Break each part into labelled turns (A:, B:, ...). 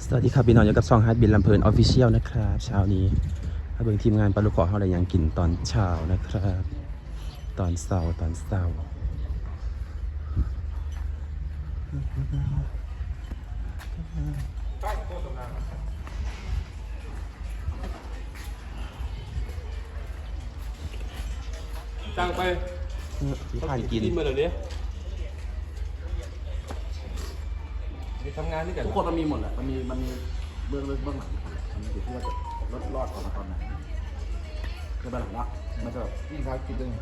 A: สวัสดีครับพี่น้องอยู่กับช่องฮาร์ดบินลำเพลินออฟฟิเชียลนะครับเช้านี้มาเบิ่งทีมงานปลาลูกขอเขาอะไรยังกินตอนเช้านะครับตอนเช้า
B: จ้างไป
A: ที่ผ่านกิน
B: มาเดี๋ยวนี้มีทำงานด้วยกัน
C: ทุกคนมันมีหมดแหละมันมีเบื้องลึกเบื้องหลังมันอยู่ที่ว่าจะรอดของมันตอนไหนคือแบบหลังมันจะแบบยิ่งท้ายคิดด้วย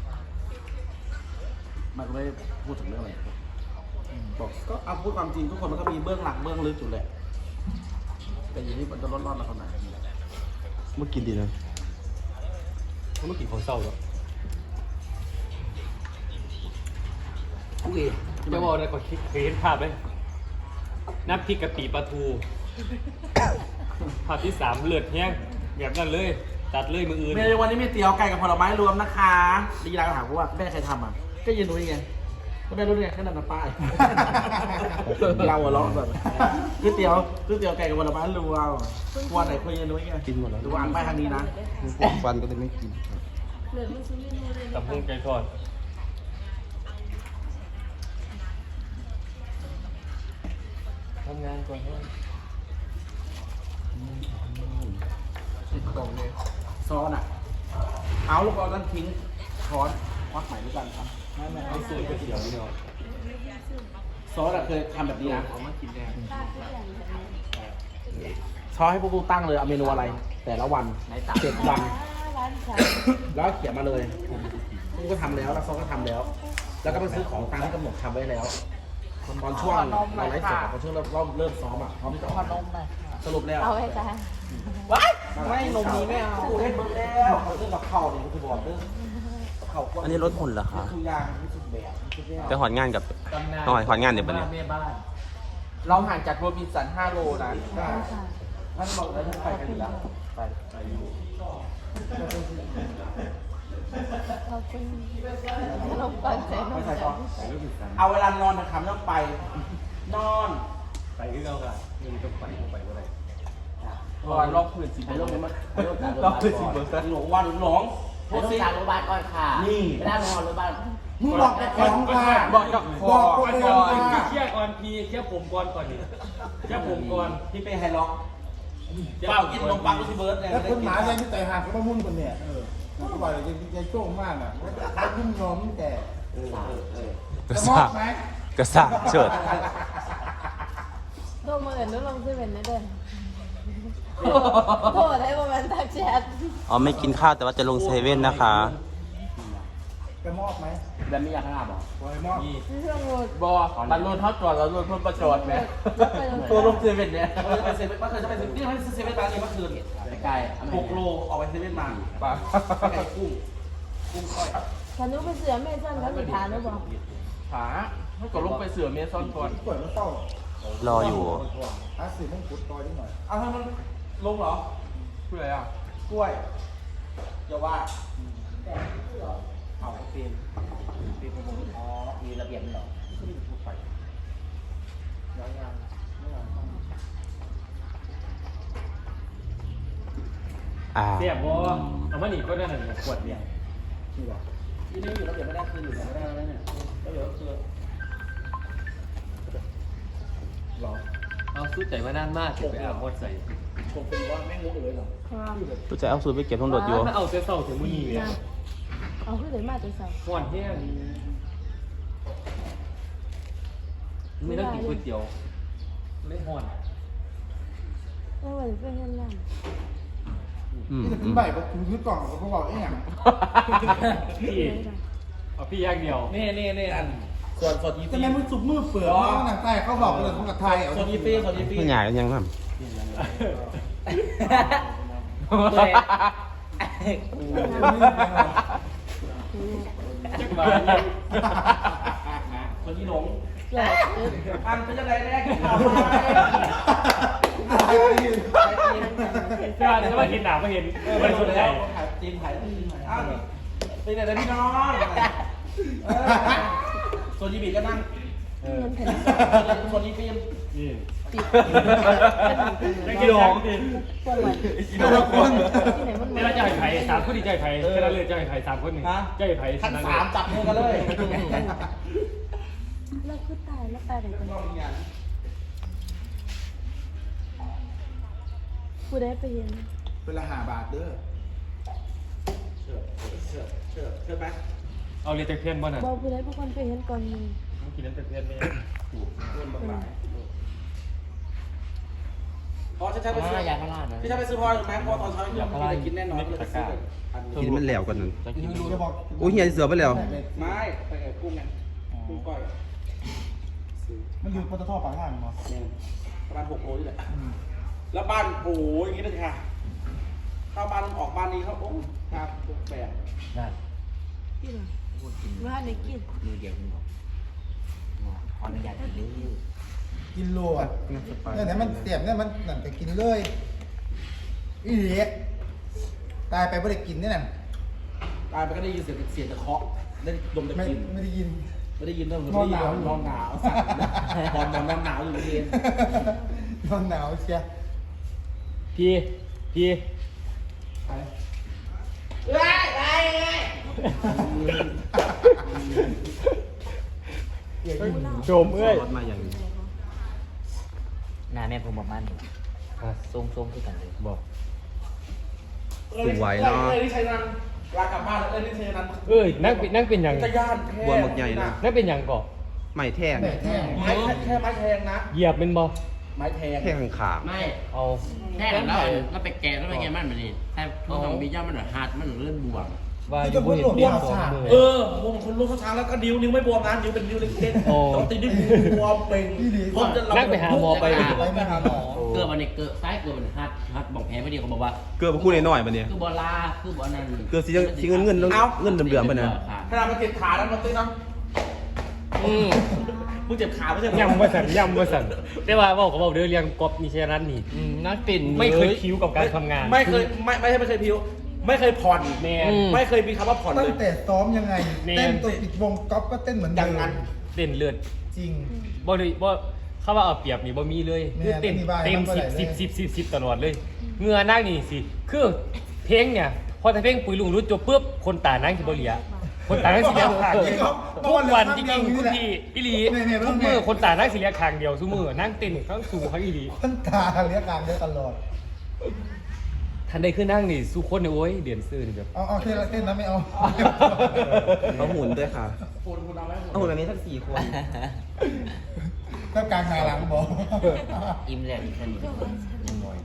C: มันก็ไม่ได้พูดถึงเรื่องอะไรบอกก็เอาพูดความจริงทุกคนมันก็มีเบื้องหลังเบื้องลึกอยู่แหละแต่อยู่ที่มันจะรอดมาตอนไหน
A: เมื่อกินดีนะ
B: เขาไม่กินของเศร้าหรอก
C: โอเค
B: จะบอกอะไรก่อนคิดเคยเห็นภาพไหมน้ำพริกกะปิปลาทูภาพที่3เลือดแห้งแบบนั้นเลยตัดเลยมืออื่น
C: เมนูวันนี้มีเตี๋ยวไก่กับผลไม้รวมนะคะดีร้านถามว่าแม่ใครทำอ่ะก็ยืนดูยังไงก็แม่รู้ได้ไงแค่นั้นนะป้ายเราหัวเราะแบบก๋วยเตี๋ยวไก่กับผลไม้รวมวันไหนคุยยืนดูยังไง
A: กินหมดแล้ว
C: ดูอ่านไปทางนี้นะ
A: ฟันก็เลยไม่กิน
B: ตำพุงไก่ทอดทำงานก่อน
C: กล่องเลยซอสอ่ะเอาลูกบอลนั้นทิ้งช้อนควักใหม่ด้วยกันครับไม่
B: เอาสูตรก๋วยเตี๋ยวนี่เนาะ
C: ซอสอะเคยทำแบบนี้นะ
B: เอามากินแน่
C: ซอสให้พวกกูตั้งเลยเอาเมนูอะไร แต่ละวัน7 วันแล้วเขียนมาเลยพวกก็ทำแล้วแล้วซอสก็ทำแล้ว แล้วก็ไปซื้อของตามที่กำหนดทำไว้แล้วตอนช่วงเราไลฟ์สดตอนช่วงเราเริ่มซ้อมอ่ะพร้อมจะออกสรุปแล้ว
D: เอาไว้จ้า
C: ว้ายไม่นมนี้ไม่เอาเล่นเบิร์ดแล้วเรื่องกับเข่าเนี่ยคือบอกเรื่องเข่า
A: อันนี้รถหุ่นเหรอคะ
C: ทุกอย่างทุกแบบทุกอย่าง
A: ไปหอนงานกับน้อยหอนงานเดี๋ยวปะเนี่ย
C: เราห่างจากโรบินสัน5 โลนะท่านบอกแล้วท่านไปกันอยู่แล้วไปอยู่
D: ขอบคุณขนมปังใส่น
C: ไม่
D: ม
C: ใช่ก่อนเอาเวลานอนนะครับต้องไป นอน
B: ไปที่เราค่ะนี่ต้องไปก็ได้
C: ก่อนลองพื้นสิไปลองมาลองพื้นสิเบอร์หลงวันหลง
E: ไปโรงพยาบาลก่อนค่ะ
C: นี่
E: ไม่ได้โรงพยาบาล
F: มึงบอกแต่ของค่ะ
C: บอกกับคอ
F: บอกคนเดิมค่ะ
B: เคลียร์ก่อนพี่เคลียร์ผมก่อนนี่เคลียร์ผมก่อน
C: ที่ไปไฮล็อกเปล่ากินขนมปังก็ที่เบิร์ดเนี่ย
F: แล้วคนหมาเนี่ยที่ไต่หางก็มามุ่นคนเนี่ยมันก็บอกเลยจะโจ้งมากอ่ะเขายุ่งยอมแต่
A: กระ
F: จะม
A: ซ่า
F: อบไหม
A: กระซ่าเฉิด
D: โทรมาเอิญนุลงซื้อเป็นได้เด้อโทรได้ประมาณทักแชท
A: อ๋อไม่กินข้าวแต่ว่าจะลงเซเว่นนะคะ
F: จะมอบไหม
C: แบบไม่อยากขนาดบอก
F: บอยมอบ
B: นี่
D: เครื่องโหลด
C: บอมันรุนทอดก่อนแล้วรุนเพิ่มประจอดไหมตัวลงเซเว่นเนี่ยไปเซเว่นเมื่อคืนจะไปเซเว่นนี่ไม่เซเว่นร้านนี้เมื่อคืน
E: ไกล
C: 6 โลออกไปเซเว่นมาปลาไก่กุ้งก้อย
D: ฉันนุไปเสือแม่ซ่อนเขาสิทานหรือเปล่า
C: ขาให้ก่อนลงไปเสือเมซอนก่อน
F: เปิดแล้วเต้าร
A: ออยู่
F: อาสิต้องขุดตอยนิดหน่อย
C: เอาให้มันลงเหรอเพื่ออะไรอ่ะกล้วยอย่าว่าเอาเป็นประมงอ๋อ
E: มีระเบียบเหรอ
C: ก็ไม่ถูกไปยังไม่ยัง
B: เสียบบ่เอามาหนีก็ได้หนึ่งขวดเนี่ย
C: ที่บอกที่นี่อยู่ระเบียบไม่ได้คืออยู่ไม่ได้แล้วเนี่ยก็เดี๋ยวคือหรอ
B: เอาสู้ใจมานานมากถึงไปอาบหมดใส่
C: ผมเป็นว่าแม่งงงเลยเหรอ
A: ตัวจะเอาสูตรไปเก็บทั้งรถอยู่
B: ถ้าเอาเสื้อเศร้าถึงมือนี่เลย
D: เอาขึ้นเลยมาตัวเสา
B: ห่อนแห้งไม่ต้องกินก๋วยเตี๋ยวไม่ห่อน
D: เอาไว้เป็นเงินนั่น
F: นี่จะขึ้นใบก็ถึงยึดกล่องเขาบอกไอ้หยัง
B: พี่เอาพี่ย่างเดียว
C: นี่อันส่วนยี
F: จะ
C: ฟี
F: แม่มึงสุกมือเปลือกหนังใต้เขาบอกเลยของกับไทยเอา
C: ส่วนยีฟีส่วนยีฟี
A: ไม่ใหญ่กันยังครับ
B: จักมา
C: ส่วนยีหลง
D: เกิด
C: อันเป็นยังไงแรกข่าว
B: เจ้าจะมากินหนาไม่เห็นไม่สนใจ
C: ถ่ายจีนถ่ายอ้าวเป็นไงพี่น้องส่วนยีบีก็นั่ง
D: เงินแผ่น
C: ส่วนยีฟี
B: นี่
D: ติด
B: ได้กินของ
D: ปวดไหล่ ที่ไหนมัน
B: นี่เราจะให้ไผ่3คนดีใจไผ่แค่นั้นเลยจะให้ไผ่3คนหนึ่งจะให้ไผ่
C: ทั้งสามจับมือกันเลย
D: แล้วคือตายแล้วตายไหนกันกูได้ไปเย็น
F: เป็นละ5 บาทเด้อ
C: เชื่อไหม
B: เอาเลยแต่เพี้ยนบ่น่ะ
D: บอกกูได้พวกคนไปเห็นก่อนมึง
B: กินนั้นแต่เพี้ยนไม่
C: พอฉันไปซื้อย
E: าพารานะ
C: พี่ฉันไปซื้อพอไหมพอตอนเช้าพี่จะกินแน่นอนเลยไปซื้ออันนี้
A: กินมันแล้วกันนั่น
F: จะบอก
A: โอ้ยเฮียเสือไปแล้ว
C: ไม่ไปกับกุ้งไงกุ้งก้อย
F: มันอยู่ปตทปากทางเนาะ
C: เนี่ยประมาณ6 โลนี่แหละแล้วบ้านโอ้ยอย่างนี้เลยค่ะเข้าบ้านออกบ้านนี้เขาโอ้ครับแปลก
E: นั่น
D: กินเหรอว่าไหนกิน
E: มือเดียวมึงบอกขออนุญาตกินเลย
F: กินโลอ่ะเนี่ยมันเสียบเนี่ยมันนั่นแต่กินเลยอีเหี้ยตายไปไม่ได้กินนี่น่ะ
C: ตายไปก็ได้ยินเสียงตะเคาะได้ดมตะ
F: ไม่
C: กิน
F: ไม่ได้ยิน
C: ไม่ได้ยินเรื่องนอนหนาวอยู่นอนหนาวเชีย
B: พี่ โจมเอ้ย
A: รถมาอย่างนี้
E: หน้าแม่ผมบอกมันทรงคือกันเลยบอก
A: สวยเนาะ
C: นี่ชัยนันลากลับบ้านแล้วนี่ชัยนัน
B: เอ้ยนั่งเป็นหยัง
C: จะย่านแค่
A: บัวหมึกใหญ่นะ
B: นั่งเป็นหยังก่อ
A: ไม่แท่ง
F: แต่แท้
C: ไม้แค่ไม้แทงนะ
B: เหยียบเป็นบ่
C: ไม้แทง
A: แท่งขาง
E: ไม่
B: เอา
E: แค่แล้วแล้วไปแกะแล้วไปแกะมันแบบนี้แต่พวกของบีย่ามันแบบฮาร์ดมันเลื่อนบวม
B: ว่าอยู่บ่เห็นเปลี่ยนตัวมือ
C: วงคนลูกเขาช้างแล้วก็นิ้วไม่บวมนะนิ้วเป็นนิ้วเล็กๆต้องตีนิ้วบวมเป็น
B: นั่งไปหาหมอไป
F: ไปหาหมอ
E: เกลือมันเนี่ยเกลือซ้ายเกลือมันฮัดบอกแพ้ไม่ดีเขาบอกว่า
A: เกลือมาคู่น้อยๆมาเนี่ย
E: คือบอลาคือบอลนั่น
A: เกลือสีเงินเงินเดือมๆไปนะ
C: ขนาดมันเจ็บขาแล้วมันตีน้
B: อืม
C: มึงเจ็บขาไม่ใช่
B: ย่ำว่าสั่นแต่ว่าบอกก็บอกเด้อเรียงกบนี่ใช่นั้นนี่นักปิ่นไม่เคยคิ้วกับการทำงาน
C: ไม่เคยพิวไม่เคยผ่อน
B: แน่
C: ไม่เคยมีคำว่าผ่อน
F: ตั้
C: เล
F: ง
C: ย
F: แต่ซ้อมยังไง เต้นตัวปิดวงก๊อฟก็เต้นเหมือน
C: อ
F: เดิ
C: ย่าง
F: ม
C: นั้น
B: เต้นเลือด
F: จริง
B: บ่ได้บ่เข้าว่าเอาเปรียบนี่บ่มีเลย
F: แม่
B: คือเต้น
F: ไม่มีบ้าย
B: เต็ม
F: มันบ่ได้เลย
B: 10ตลอดเลยเหงื่อนั่งนี่สิคือเพลงเนี่ยพอถ้าเพลงปุ๋ยลุงรู้จบปุ๊บคนตานั่งสิบ่เหลียคนตานั่งสิเหลียข้างเดียวทุกวันจริงๆคุณพี่อีหลีทุกมื้อคนตานั่งสิเหลียข้างเดียวซุมื้อนั่งเต้นทั้งสูงทั้งอีหลี
F: ท่านตาเรียกการได้ตลอด
B: ทันได้ขึ้นนั่งนี่สู้คนเนี่ยโอ้ยเดือนซื่อนี่แบบ
F: เอาเต้นนะไม่เอา
A: เอาหุ่นด้วยค่ะ
C: คุณเอาไหม
A: เอาหุ่นแบบนี้ทั้ง4 คน
F: ถ้ากลางหาหลังบอก
E: อิ่มแล้วอีกคนหนึ่งยังน้อย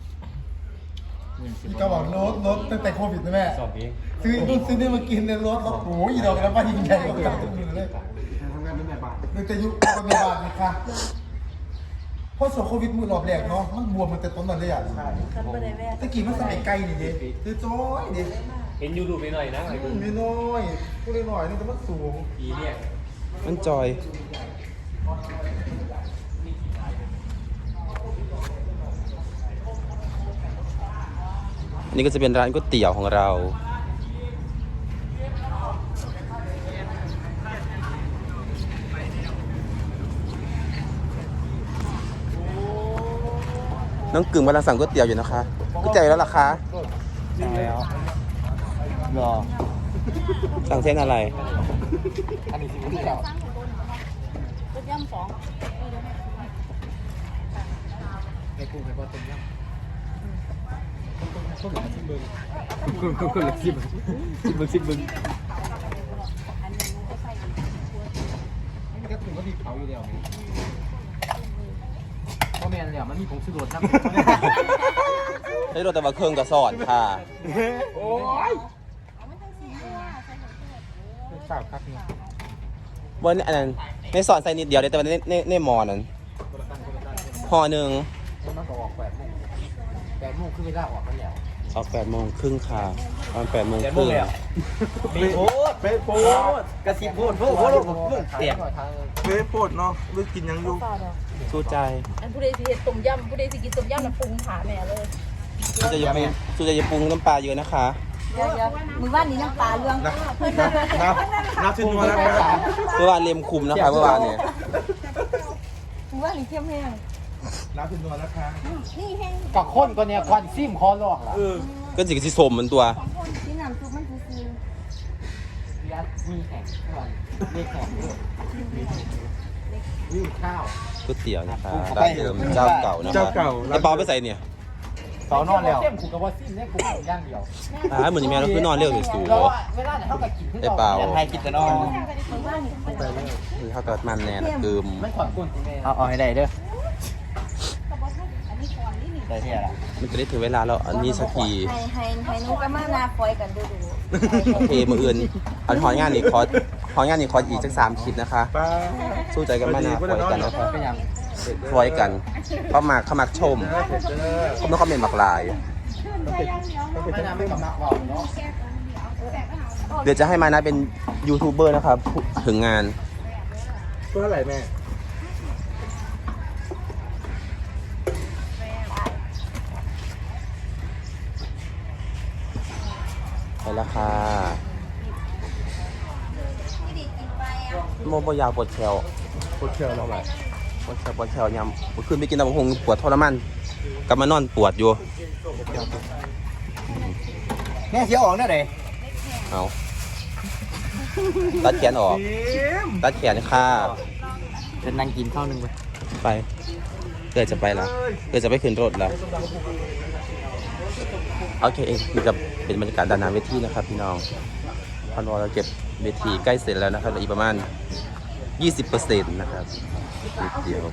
F: พี่ก็บอกโน้ตตั้งแต่โควิดนะแม่
B: สอบเอง
F: ซื้อนี่มากินในรถโอ้โหอีดอกแล้วป้ายิงใหญ่กว่าเก่าทุกมือเลย
C: ทำงานเป็นแบบบ้าน
F: ตั้งแต่ยุคเป็นแม่บ้านนะคะเพราะโควิดมือรอบแรกเนาะมันบวมมันแต่ต้นนั่นเลยอ่ะใช่
D: คันบ่ได้แว่
F: ตะกี้มันสมัยไกลนี่ดิคือจ้อยดิ
B: เห็นยูรูปไปหน่อยนะไอ้
F: มีน้อยพูดได้หน่อยนี่แต่มันสูง
B: ปีเนี่ย
A: มันจอย อันนี้ก็จะเป็นร้านก๋วยเตี๋ยวของเรา น้องกึ่งกำลังสั่งก๋วยเตี๋ยวอยู่นะคะก๋วยเตี๋ยวแล้วล่ะคะ
B: แล้วรอ
A: สั่งเส้นอะไร
B: อันนี้สิบ
D: รถย่ำ2
B: ในกรุงไปว่าต้มยำคนละสิบบึง
F: ก็ถึงก็ดีเขาอยู่เดียว
E: เพราะแม่เนี่ยมันมีผงชูรสนะ
A: ให้รถแต่ว่าเครื่องกระสอนค่ะ
C: โอ้ย
B: สาวครับเนี่ย
A: บนอันนั้นในสอนใส่นิดเดียวเลยแต่ว่าในหมอนั้นห่อหนึ่ง
E: มันก็ออก8 โมงคือเวลาออกกันแล้ว
A: ออก8:30ค่ะตอน8:30
C: ไปโพดกระสิบโพดเตียง
F: ไม่โพดเนาะเลือกกินยังอยู่
D: เปล่าดอก
A: สู้ใจ
D: อันผู้ใดสิเฮ็ดต้มยำผู้ใดสิกินต้มยำน่ะปรุงขาแม่เลย
A: สู้ใจอย่าปรุงน้ำปลาเยอะนะคะ
D: เดี๋ยวมือว่านนี้ยังปลาเรื่องเพิ่น
F: นับชิ้นมาแล้ว
A: เมื่อวานเล็มคุมนะคะเมื่อวานเนี่ย
D: มือว่านนี้เข้มแห้ง
F: น้ำเป็นนัวนะคะ
D: นี่แห้ง
C: กับคนก็เนี่ยควันซิมคอลอกล่ะ
A: ก็สิกสิสมเหมือนตัว
D: ที่น้ำซุปมันคือ
C: มีแข่งก่อนมีแข่งด้วยมีข้าว
A: ก๋วยเตี๋ยวนะคะร้านเดิมเจ้าเก่านะคะไอ้เปาไปใส่เนี่ย
C: เสานอนแล้วเส้นผูกกับว่าซิมเนี่ยผูกย่างเดียว
A: เหมือนอย่างแม่เราคือนอนเร็วสิสู
C: แล้วเวลาเนี่ยเขากับกินขึ้น
A: ไอ้เปา
C: ไทยกินแต่นอน
A: คือเขาเกิดมันแน่นะคือ
C: ไม่ขวัญกุนเอาให้ได้เด้อได้ที่อะไร
A: มันจะได้ถึงเวลาเราอันนี้สักที
D: ให้นุ้ก็มานาฟอยกันดู
A: โอเคมืออื่นอันหองานนี่คออีกสัก3 คลิปนะคะ สู้ใจกันมานาฟอยกันนะคะ
C: เป็นยัง
A: ฟอยกันเข้ามาชมเขาไม่คอมเมนต์บักลาย
C: ไม่น่าไม่กำลังว่าเนาะ
A: เดี๋ยวจะให้มานะเป็นยูทูบเบอร์นะครับถึงงาน
F: เพื่ออะไรแม่
A: ไปแล้วค่ะโมบยาวปวดแขว
F: ปวดเข่าแล้วไหม
A: ปวดแขวยำเมื่อคืนไปกินตำบักหุ่งปวดทรมานกลับมานอนปวดอยู่
C: แม่เสียออกเนี่ยไหน
A: เอาตัดแขนออกตัดแขนค่ะ
C: จะนั่งกินข้าวนึงไป
A: ไปเกิดจะไปแล้วเกิดจะไปขึ้นรถแล้วโอเคนี่ก็เป็นบรรยากาศด้านหน้าเวทีนะครับพี่น้องพอนเราเก็บเวทีใกล้เสร็จแล้วนะครับเหลืออีกประมาณ 20% นะครับนิดเดียว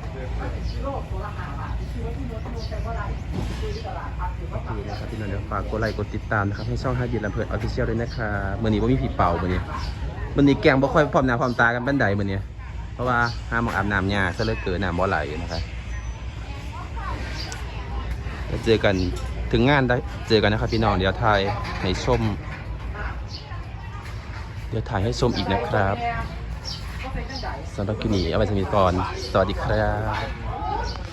A: นี่นะครับพี่น้องเดี๋ยวฝากกดไลค์กดติดตามนะครับให้ช่อง5 ยืนลำเพลินออฟฟิเชียลด้วยนะครับมื่อนี้ว่ามีผีเป่ามื่อนี้แกงบ่ค่อยพร้อมหน้าพร้อมตากันบันไดมื่อนี้เพราะว่าห้ามหมองอาบน้ำยาซะเหลือเกินน้ำบ่ไหลนะครับแล้วเจอกันถึงงานได้เจอกันนะครับพี่น้องเดี๋ยวถ่ายให้ชมอีกนะครับสำหรับคลิปนี้เอาไว้สมิธก่อนสวัสดีครับ